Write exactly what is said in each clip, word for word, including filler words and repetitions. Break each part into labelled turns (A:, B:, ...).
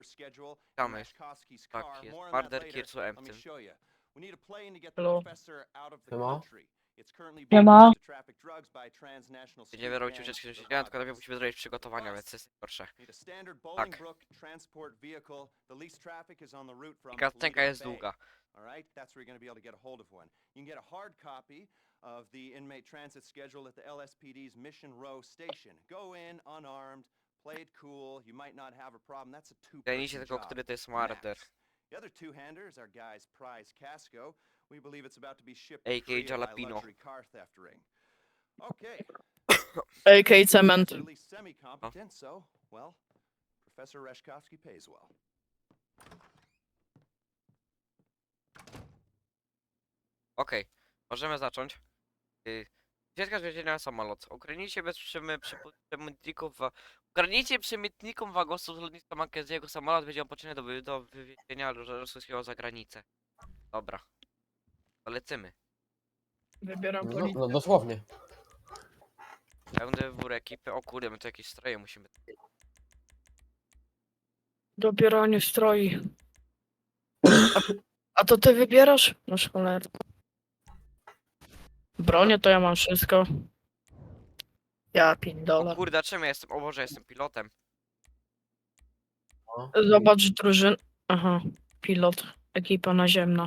A: Czekamy. Tak, jest Marder Kirsu Empty.
B: Hello.
C: Siema.
D: Siema.
A: Będziemy robić ucieczki do siedzienia, tylko najpierw musimy zrobić przygotowania, więc jest gorsze. Tak. I kartcenka jest długa.
E: Alright, that's where you're going to be able to get a hold of one. You can get a hard copy of the inmate transit schedule at the L S P D's Mission Row station. Go in unarmed, play it cool, you might not have a problem. That's a
A: Zajmijcie
E: two-person
A: tego,
E: job.
A: który to jest Marder.
E: Max. The other two-hander is our guy's prize Casco. We believe it's about to be shipped
A: A K
E: free of my
A: Jalapeno.
E: luxury car theft ring. Okay.
B: A K Cement.
E: At least semi-competent, so, well, Professor Reshkovsky pays well.
A: Okej, możemy zacząć. Yy, Ucieczka z więzienia na samolot. Ukradnijcie bez przymy- przypu- przemytników wa... Ukradnijcie przemytnikom wagosów z lotniska Mackenzie'ego samolot będzie opoczyny do, wy- do wywiezienia rosyjskiego za granicę. Dobra. To lecimy.
B: Wybieram
C: No,
B: policję.
C: no dosłownie.
A: Pełny wybór ekipy. O kurde, my tu jakieś stroje musimy...
B: Dobieranie stroi. A, a to ty wybierasz? No cholera. Bronię to ja mam wszystko. Ja
A: O
B: pindolę.
A: kurde, a czym ja jestem? O Boże, jestem pilotem.
C: No.
B: Zobacz drużyn. Aha, pilot. Ekipa naziemna.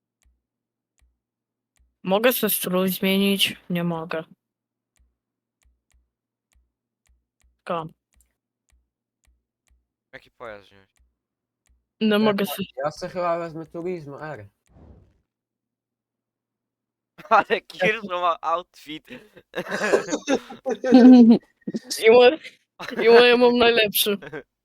B: Mogę sobie strój zmienić? Nie mogę. Ka.
A: Jaki pojazd wziąć?
B: No
C: Ja-
B: mogę sobie...
C: Ja sobie chyba wezmę Turismo R.
A: Ale Kirzo ma outfit.
B: I moje, i moje mam najlepszy.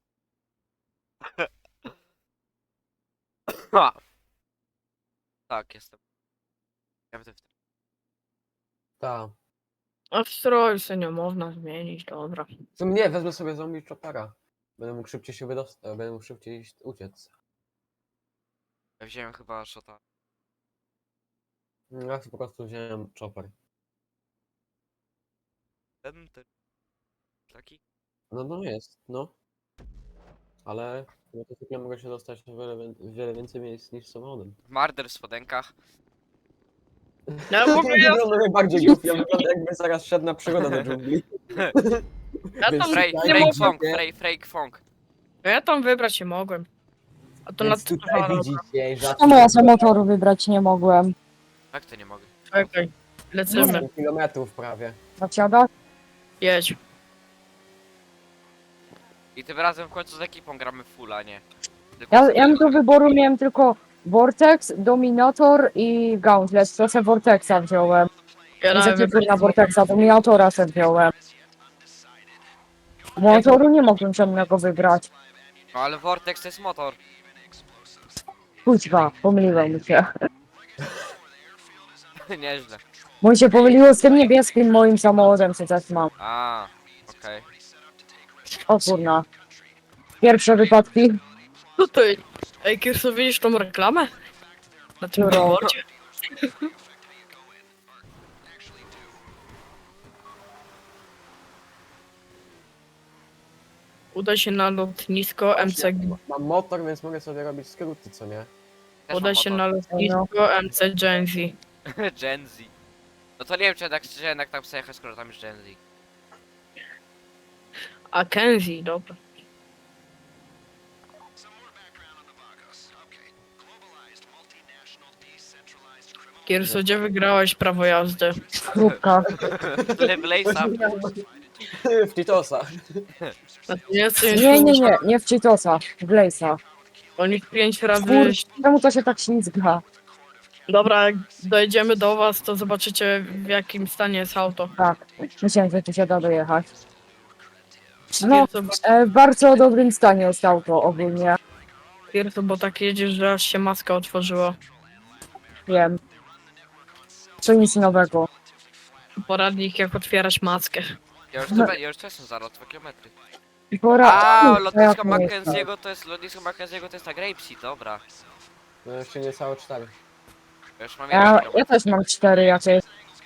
A: Ha! Tak, jestem. Ja będę w tym.
C: Tak.
B: A w stroju sobie nie można zmienić, dobra.
C: Co mnie, wezmę sobie zombie chopera. Będę mógł szybciej się wydostać, będę mógł szybciej iść- uciec.
A: Ja wziąłem chyba shota.
C: Ja po prostu wziąłem chopper.
A: Ten, ten. Taki?
C: No no jest, no. Ale motocykla mogę się dostać w wiele, wię- wiele więcej miejsc niż samochodem.
A: Marder w spodenkach.
B: Ja w ogóle ja,
C: wygląda najbardziej głupi, ja wygląda jakby zaraz szedł na przygodę do dżungli.
B: ja
C: Więc
B: tam
A: Frej,
C: tutaj
B: nie
A: Frake
B: mogłem.
A: Fong, Frej, Frake Fong.
B: Ja tam wybrać nie mogłem. A to na
C: Więc tutaj
B: Aha,
C: widzicie, że
D: Czemu ja za motoru wybrać nie mogłem?
A: Jak to nie mogę?
B: czekaj. Lecimy.
C: osiem kilometrów prawie.
D: Zasiada?
B: Jedź.
A: I tym razem w końcu z ekipą gramy fulla, nie? Tylko
D: Ja,
A: z-
D: ja do wyboru miałem tylko Vortex, Dominator i Gauntlet. To se Vortexa wziąłem.
B: Ja
D: Nie
B: nawet
D: zakiepłem na Vortexa, Dominatora se wziąłem. Motoru nie mogłem żadnego wybrać.
A: No ale Vortex to jest motor.
D: Kuźwa, pomyliłem mi się.
A: Nieźle.
D: Bo mi się pomyliło z tym niebieskim moim samochodem, co teraz mam.
A: A, okej.
D: O kurna. Pierwsze wypadki.
B: Tutaj. Ej, Kirso, widzisz tą reklamę? Na tym
D: Którą?
B: billboardzie? Udaj się na lotnisko M C G.
C: Mam motor, więc mogę sobie robić skróty, co nie?
A: Też
B: Udaj
A: mam
B: się
A: motor.
B: na lotnisko M C Gen Z.
A: Gen Z. No to nie wiem, czy jednak, czy jednak tam przejechać, skoro tam jest Gen Z.
B: A Kenzie, dobra. Kirso, gdzie wygrałeś prawo jazdy?
D: Krówka.
A: Leblejsa.
C: W Titosa.
B: Znaczy, nie jesteś
D: Nie, nie, nie, nie w Cheetosa, w Blaze'a.
B: Oni pięć razy...
D: Kur... Czemu to się tak ślizga?
B: Dobra, jak dojdziemy do was, to zobaczycie w jakim stanie jest auto.
D: Tak, myślałem, że tu się da dojechać. No,
B: Kirso,
D: e, w bardzo dobrym stanie jest auto ogólnie.
B: Kirso, bo tak jedziesz, że aż się maska otworzyła.
D: Wiem. Co nic nowego.
B: Poradnik jak otwierać maskę.
A: Ja już, to, be- ja już to jestem za dwa kilometry.
D: Pora...
A: A,
D: Uf,
A: lotnisko
D: jak to jest?
A: Mackenzie'ego to jest, lotnisko Mackenzie'ego to jest ta Grapeseed, dobra.
C: No jeszcze niecałe cztery.
A: Ja już mam
D: Ja,
A: jeden
D: ja
A: kilometr.
D: też mam cztery jakieś.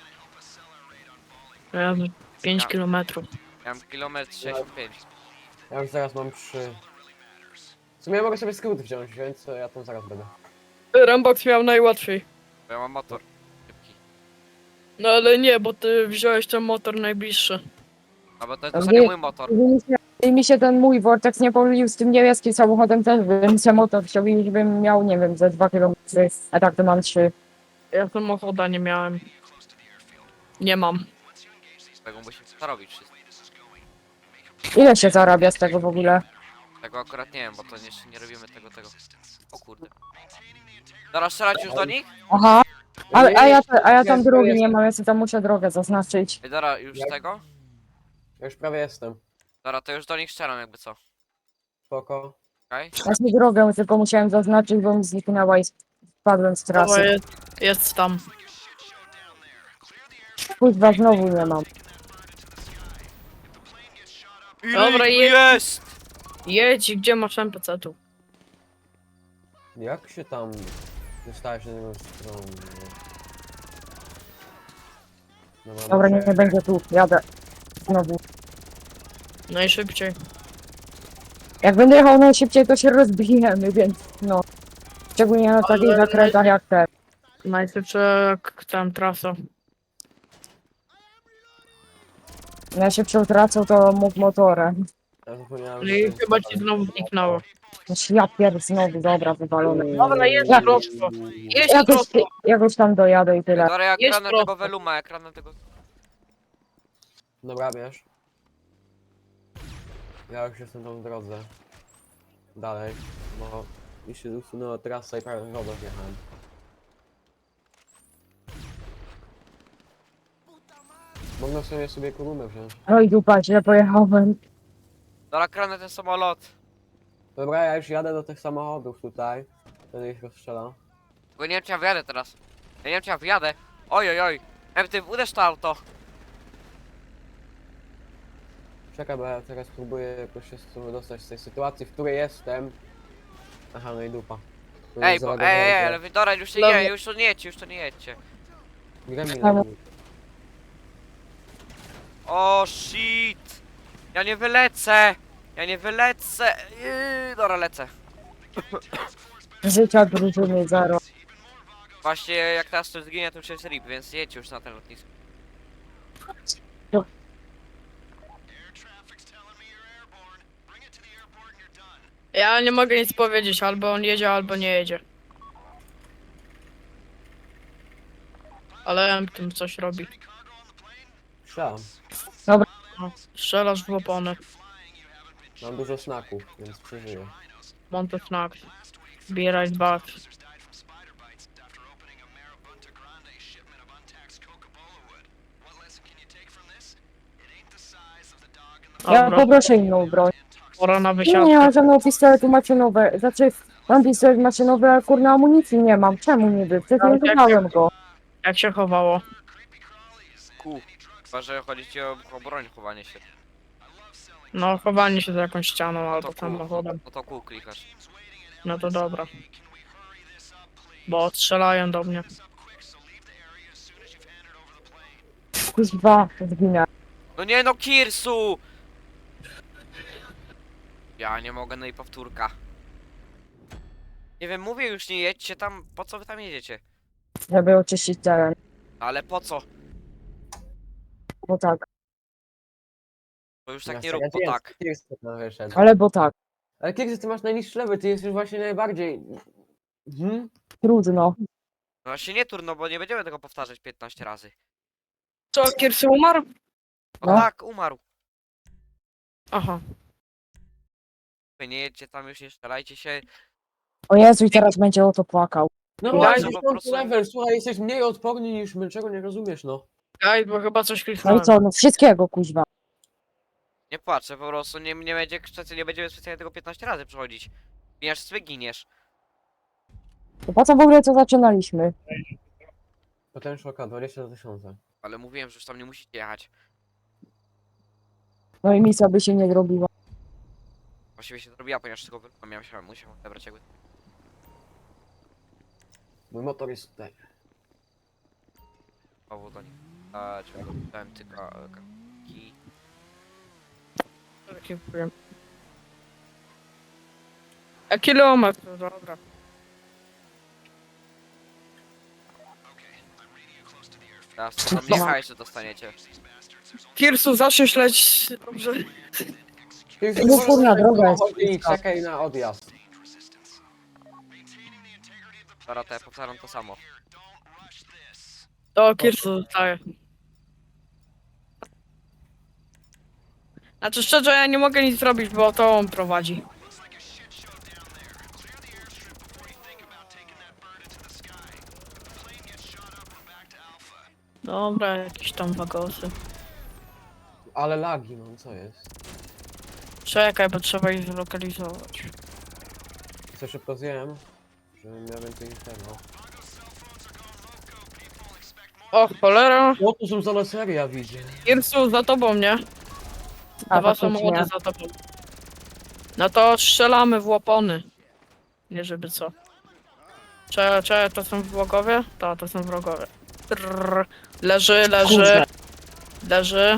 B: Ja pięć
A: Ja.
B: kilometrów.
A: Ja mam kilometr sześćdziesiąt pięć.
C: Ja już zaraz mam trzy. W sumie ja mogę sobie skrót wziąć, więc ja tam zaraz będę.
B: Rambox miał najłatwiej.
A: Bo ja mam motor. Szybki.
B: No ale nie, bo ty wziąłeś ten motor najbliższy.
A: A bo to jest
D: A
A: w zasadzie
D: nie-
A: mój motor.
D: Gdyby mi się, gdyby mi się ten mój Vortex nie pomylił z tym niebieskim samochodem, też bym se motor wziął i bym miał, nie wiem, ze dwa kilometry, a tak to mam trzy.
B: Ja samochoda nie miałem. Nie mam.
A: Tego musimy zarobić wszystko.
D: Ile się zarabia z tego w ogóle?
A: Tego akurat nie wiem, bo to jeszcze nie robimy tego, tego. O kurde. Dobra, strzelać już do nich?
D: Aha, a, a, ja, a ja tam
C: Jest,
D: drogi
C: jest.
D: nie mam, ja sobie tam muszę drogę zaznaczyć.
A: Ej, dobra, już
C: Jak-
A: tego?
C: Ja już prawie jestem.
A: Dobra, to już do nich strzelam jakby co.
C: Spoko.
A: Okej?
D: Ja sobie drogę tylko musiałem zaznaczyć, bo mi zniknęła i spadłem z
B: To
D: trasy.
B: jest, jest tam.
D: Kurwa, znowu nie mam.
B: Dobra,
A: Ile ich
B: jedź.
A: tu jest!
B: Jedź, gdzie masz N P C tu?
C: Jak się tam dostałeś na drugą stronę? Dobra,
D: Dobra, nie,
C: muszę-
D: nie będzie tu, jadę. Znowu.
B: Najszybciej.
D: Jak będę jechał najszybciej, to się rozbijemy, więc no. Szczególnie na takich
B: Ale-
D: zakrętach jak te.
B: Najszybsza jak tam trasa.
D: Najszybszą tracą to mógł motorem.
C: Ja zapomniałem,
B: No i
C: że-
B: chyba ci znowu zniknęło.
D: Znaczy ja pierd znowu, dobra, wywalone.
B: Dobra, jest
D: Ja-
B: prosto. Jedź
D: Jakoś,
B: prosto.
D: jakoś tam dojadę i tyle.
A: Dobra, ja
B: Jest
A: kradnę
B: prosto.
A: tego Veluma, ja kradnę tego...
C: Dobra, wiesz. Ja już jestem tam w drodze. Dalej, bo mi się usunęła trasa i prawie w wodę wjechałem. Mogę sobie sobie kolumnę wziąć.
D: Oj dupa, źle pojechałem.
A: Dobra, kradnę ten samolot.
C: Dobra, ja już jadę do tych samochodów tutaj. Będę ich rozstrzelał.
A: Bo nie wiem czy ja wyjadę teraz. Ja nie wiem czy ja wyjadę. Oj, oj, oj. Em, ty uderz to auto.
C: Czekaj, bo ja teraz próbuję jakoś się z tym wydostać z tej sytuacji, w której jestem. Aha, no i dupa. Bo
A: Ej,
C: nie
A: bo, ej,
C: załadowałem
A: ej,
C: go.
A: ale wy, dobra, już nie,
B: Dobra.
A: nie, już to nie jedźcie, już to nie jedźcie.
C: Gremlin
D: Ale-
C: robi.
A: O, shit. Ja nie wylecę. Ja nie wylecę. Yy, dobra, lecę.
D: Życia drużyny zero.
A: Właśnie jak teraz to zginie, to już jest rip, więc jedźcie już na ten lotnisko.
B: Ja nie mogę nic powiedzieć, albo on jedzie, albo nie jedzie. Ale M tym coś robi.
C: Strzelam.
B: No, strzelasz w opony.
C: Mam dużo snaków, więc przeżyję.
B: Monty Snack. Zbieraj dwa.
D: Ja
B: Dobra,
D: poproszę inną broń.
B: pora na
D: Nie, nie
B: wysiadkę.
D: mam żadnego pistoletu maszynowe. Znaczy, mam pistolet maszynowy, ale kurna amunicji nie mam. Czemu niby? Przecież
B: Ale
D: nie
B: jak-
D: wybrałem go.
B: Jak się chowało?
A: Ku. Chyba, że chodzi ci o, o broń, chowanie się.
B: No, chowanie się za jakąś ścianą
A: No to
B: albo
A: kół,
B: samochodem.
A: no to kół klikasz.
B: No to dobra. Bo strzelają do mnie.
D: Kuźwa, zginę.
A: No nie no, Kirsu! Ja nie mogę, no i powtórka. Nie wiem, mówię już nie jedźcie tam, po co wy tam jedziecie?
D: Żeby oczyścić teren.
A: Ale po co?
D: Bo tak.
A: To już tak
C: Ja
A: nie rób, bo
C: Kiers-
A: tak.
C: Kiers tam wyszedł.
D: Ale bo tak.
C: Ale Kiers, ty masz najniższy level, ty jesteś właśnie najbardziej... Hmm?
D: Trudno.
A: No się nie turno, bo nie będziemy tego powtarzać piętnaście razy.
B: Co, Kirsy umarł?
A: No,
D: No.
A: tak, umarł.
B: Aha.
A: Wy nie jedźcie tam już, nie strzelajcie się.
D: O Jezu, i teraz będzie o to płakał.
C: No
A: Daj,
C: właśnie,
A: no po
C: dziesiąty
A: prostu-
C: level, słuchaj, jesteś mniej odporny niż my, czego nie rozumiesz, no.
B: Ej, bo chyba coś
D: No
B: kliknąłem.
D: i co, no wszystkiego kuźwa.
A: Nie płaczę, po prostu nie, nie będzie krzycy, nie będziemy specjalnie tego piętnaście razy przechodzić. Giniesz, sobie giniesz.
D: To po co w ogóle to zaczynaliśmy?
C: Potem szoka, dwadzieścia tysięcy.
A: Ale mówiłem, że już tam nie musicie jechać.
D: No i misja by się nie zrobiła.
A: Właściwie się zrobiła, ponieważ tylko wy- miałem się, musiałem odebrać jakby.
C: Mój motor jest tutaj.
A: Znowu do nich. A, czy dałem tylko e, kaki.
B: Taki powiem. A kilometr, dobra.
A: Teraz to tam Michała jeszcze dostaniecie.
B: Kirsu, zacznij śledzić. Dobrze.
C: Ty
D: No kurna, droga jest
C: samochodzie i
D: bliska.
C: czekaj na odjazd.
A: Dobra, to ja powtarzam to samo.
B: To Kirsu zostaje. Znaczy szczerze, ja nie mogę nic zrobić, bo to on prowadzi. Dobra, jakieś tam wagosy.
C: Ale lagi, no co jest?
B: Czekaj, bo trzeba ich zlokalizować.
C: Co szybko zjem, żebym miał więcej niż tego.
B: O, cholera.
C: O, tu są za seria, widzę.
B: Kirsu, za tobą, nie?
D: A,
B: Dwa
D: faktycznie.
B: samochody za tobą. No to strzelamy w łopony. Nie żeby co. Cze, cze, to są wrogowie? To, to są wrogowie. Trrr. Leży, leży,
D: Kurde.
B: leży.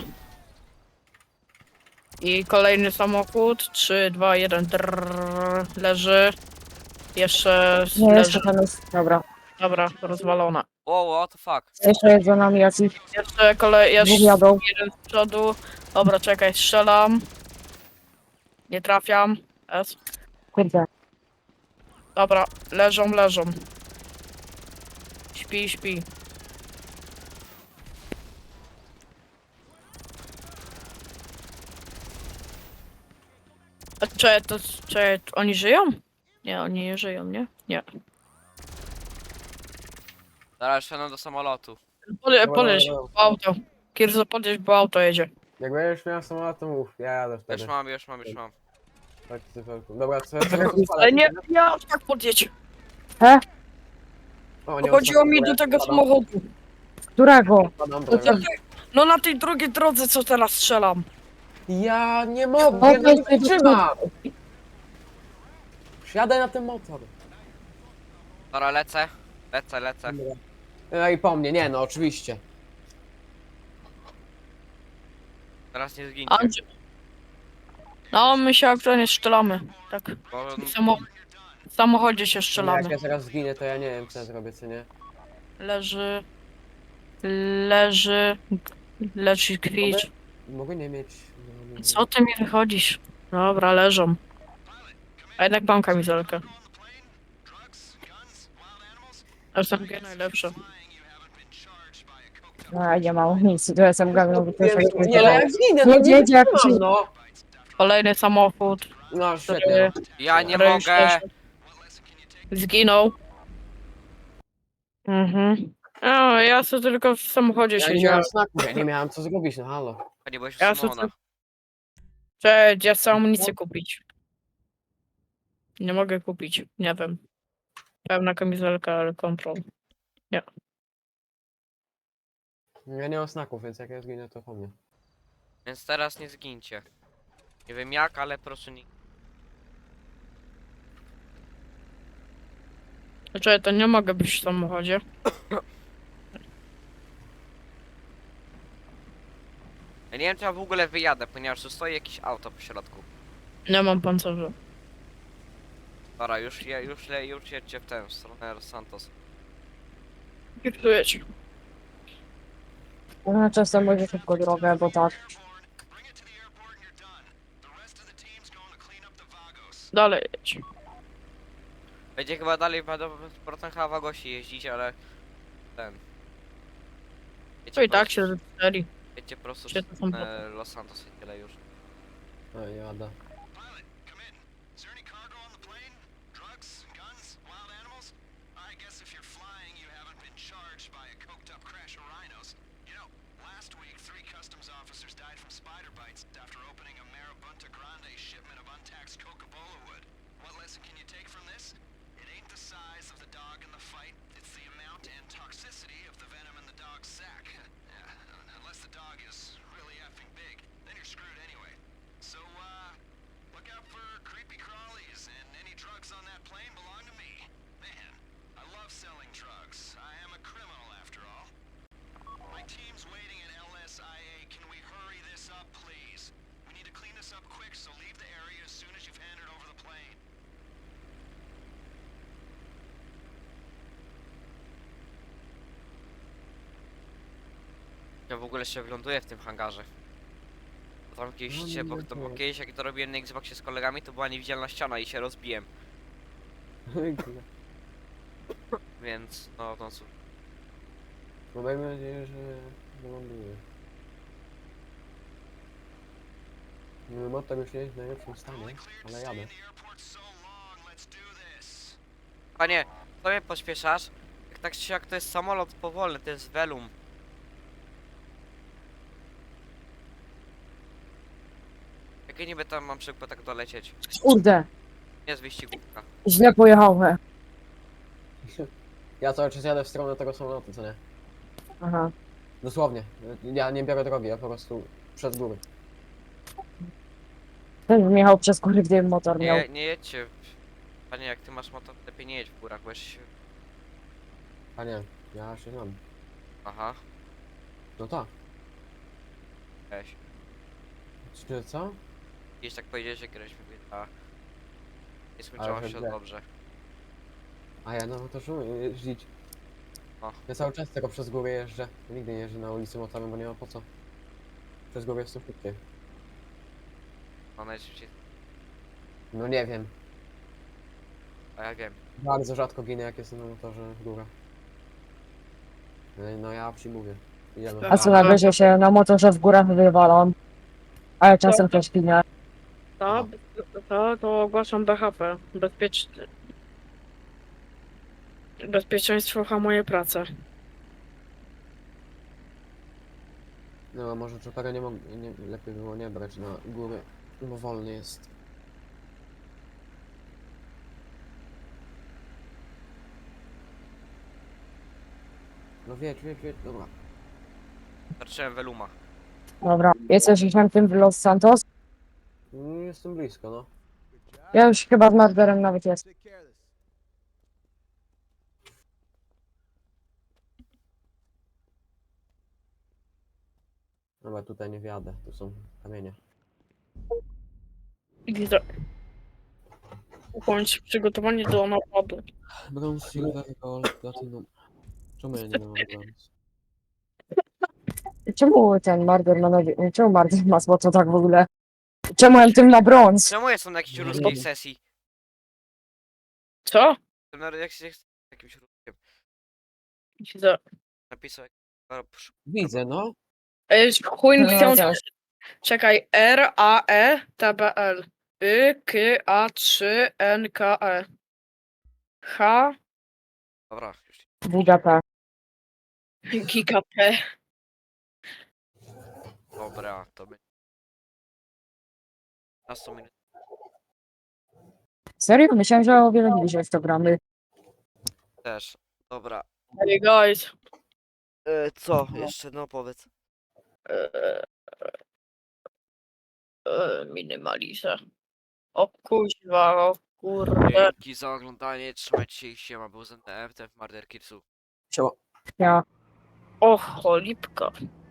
B: I kolejny samochód. trzy, dwa, jeden. Trrr. Leży. Jeszcze
D: Nie,
B: leży.
D: jeszcze tam jest. Dobra.
B: Dobra, rozwalona.
A: Wow, what the fuck?
D: Jeszcze jest za nami jakiś.
B: Jeszcze kolej,
D: Dwóch
B: jeszcze
D: jadą.
B: jeden z przodu. Dobra, czekaj, strzelam. Nie trafiam. S.
D: Kurde.
B: Dobra, leżą, leżą. Śpi, śpi. A czy to, czy oni żyją? Nie, oni nie żyją, nie? Nie.
A: Zaraz wsiadam do samolotu.
B: Pole,
C: Dobra,
B: poleź,
C: dobra.
B: bo auto. Kirzo, podjeźdź, bo auto jedzie.
C: Jak będziesz miał samolot, to mów, ja jadę wtedy.
A: Już mam, już mam, już mam.
C: Tak, cyferku. Dobra, co ja teraz
B: Ale nie, ja tak podjedź.
C: O, nie
B: Chodziło mi
C: odpadam,
B: do tego
C: odpadam,
B: samochodu.
D: Którego?
C: odpadam,
B: No,
C: dobra.
B: to ty- no na tej drugiej drodze, co teraz strzelam.
C: Ja nie mogę,
D: O,
C: ja nie
D: weź ty
C: wytrzymam! Wsiadaj na ten motor.
A: Dobra, lecę. Lecę, lecę.
C: No i po mnie, nie no, oczywiście.
A: Teraz nie zgincie.
B: Andrzej. No, my się aktualnie strzelamy. Tak.
A: Bo
B: W, samo... w samochodzie się
C: Jak
B: strzelamy.
C: ja zaraz zginę, to ja nie wiem, co ja zrobię, co nie?
B: Leży. Leży. Leży kwicz.
C: Mogę nie mieć... No, nie
B: Co ty mi wychodzisz? Dobra, leżą. A jednak mam kamizelkę. S M G najlepsze.
D: A, nie mam nic. Tu jestem gawną.
C: wiem, nie, ale jak zginę, to
D: Nie,
C: nie
D: jedzie jak
C: wytrzymam,
D: przy-
C: no.
B: Kolejny samochód.
C: No,
B: Który,
C: świetnie.
A: ja nie
B: który już
A: mogę.
B: leży. Zginął. Mhm. O, ja sobie tylko w samochodzie
C: Ja nie
B: siedziałem.
C: miałem snaków, ja nie miałem co zrobić, no halo.
A: A nie byłeś w
B: Ja
A: Simona.
B: Cześć, ja chcę amunicję kupić. Nie mogę kupić, nie wiem. Pełna kamizelka, ale kontrol.
C: Ja nie mam snaków, więc jak ja zginę, to po mnie.
A: Więc teraz nie zgincie. Nie wiem jak, ale proszę nie.
B: Znaczy, to nie mogę być w samochodzie.
A: Ja nie wiem czy ja w ogóle wyjadę, ponieważ tu stoi jakieś auto po środku.
B: Nie mam pancerza.
A: Dobra, już, je, już, le, już jedźcie w tę w stronę Los Santos.
B: Kiertuję ci.
D: No, czasem będzie szybko drogę, bo tak.
B: Dalej jedź.
A: Będzie chyba dalej będą z powrotem chyba Wagosi jeździć, ale ten.
B: To i tak się zepsuli.
A: Wiecie po prostu
B: się to są
A: z e, Los Santos i tyle już.
C: No i jada.
E: Is there any cargo on the plane? Drugs, guns, wild animals? I guess if you're flying, you haven't been charged by a coked up crash of rhinos. You know, last week, three customs officers died from spider bites after opening a Marabunta Grande shipment of untaxed Coca-Cola wood. What lesson can you take from this? It ain't the size of the dog in the fight, it's the amount and toxicity of the venom in the dog's sack. Yeah, unless the dog is really effing big, then you're screwed anyway. So, uh, look out for creepy crawlies, and any drugs on that plane belong to me. Man, I love selling drugs. I am a criminal after all. My team's waiting at L S I A. Can we hurry this up, please?
A: Ja w ogóle jeszcze wyląduję w tym hangarze. Bo tam kiedyś,
C: No,
A: się, bo,
C: nie
A: to, bo
C: wiem.
A: kiedyś jak to robiłem na Xboxie z kolegami, to była niewidzialna ściana i się rozbiłem. Więc no to cóż.
C: No dajmy nadzieję, że wyląduje. No, motor już nie jest w najlepszym stanie, ale jadę.
A: Panie, co mnie pośpieszasz? Jak tak czy jak to jest samolot powolny, to jest Velum. Jakie niby tam mam szybko tak dolecieć?
D: Kurde,
A: Nie z wyścigówka.
D: źle pojechałem.
C: Ja cały czas jadę w stronę tego samolotu, co nie?
D: Aha.
C: Dosłownie. Ja nie biorę drogi, ja po prostu przez góry.
D: Ten bym jechał przez góry, gdybym motor miał.
A: Nie, nie jedźcie. Panie, jak ty masz motor, lepiej nie jedź w górach, bo jeszcze się...
C: A nie, ja się znam.
A: Aha,
C: No tak.
A: weź.
C: Czy co?
A: Gdzieś tak powiedziałeś, że graliśmy w a nie skończyło
C: Ale
A: się
C: źle.
A: dobrze.
C: A ja na motorze umiem jeździć.
A: O.
C: Ja cały czas tylko przez góry jeżdżę. Nigdy nie jeżdżę na ulicy motorem, bo nie ma po co. Przez góry jest to szybciej.
A: No najszybciej,
C: No nie wiem.
A: a ja wiem.
C: Bardzo rzadko ginę, jak jestem na motorze w górach. No, no ja przyjmuję. Idziemy.
D: A co najwyżej się na motorze w górach wywalam. Ale czasem też pinę.
B: To, to, to ogłaszam B H P. Bezpieczne. Bezpieczeństwo hamuje pracę.
C: No a może czopera nie, mog- nie lepiej było nie brać na góry, bo wolny jest. No wiedź, wiedź, wiedź, dobra.
A: Zacząłem Veluma.
D: Dobra, jesteś już na tym w Los Santos?
C: Mm, Jestem blisko, no.
D: Ja już chyba z Marderem nawet jest.
C: Dobra, tutaj nie wjadę, tu są kamienie.
B: Widzę. Ukończ przygotowanie do napadu.
C: Brąz, silver, gold, platinum. Czemu ja nie mam brąz?
D: Czemu ten Marder ma nogi... Czemu Marder ma złoto tak w ogóle? Czemu ja tym na brąz?
A: Czemu jestem na jakiejś
C: Nie,
A: ruskiej
C: nie.
A: sesji?
B: Co?
A: Jestem na jak się jakimś ruskiem.
B: Widzę.
A: Napisał jak...
C: Widzę, no.
B: Ej, chuj
D: No,
B: chciał...
D: też.
B: Czekaj. R A E T B L. Y K A trzy N K E. H
A: Dobra, już.
D: Buda P.
B: Giga P.
A: Dobra, to będzie. Na sto minut.
D: Serio? Myślałem, że o wiele bliżej w to gramy.
A: Też. Dobra.
B: Hey guys.
A: E, co? Jeszcze no powiedz.
B: Eee, eee, minimaliza. O kuźwa, o kurde.
A: Dzięki za oglądanie, trzymajcie się i siema, był z N T F, ten w Murder Killsu.
C: Siema.
D: Ja.
B: O cholipka.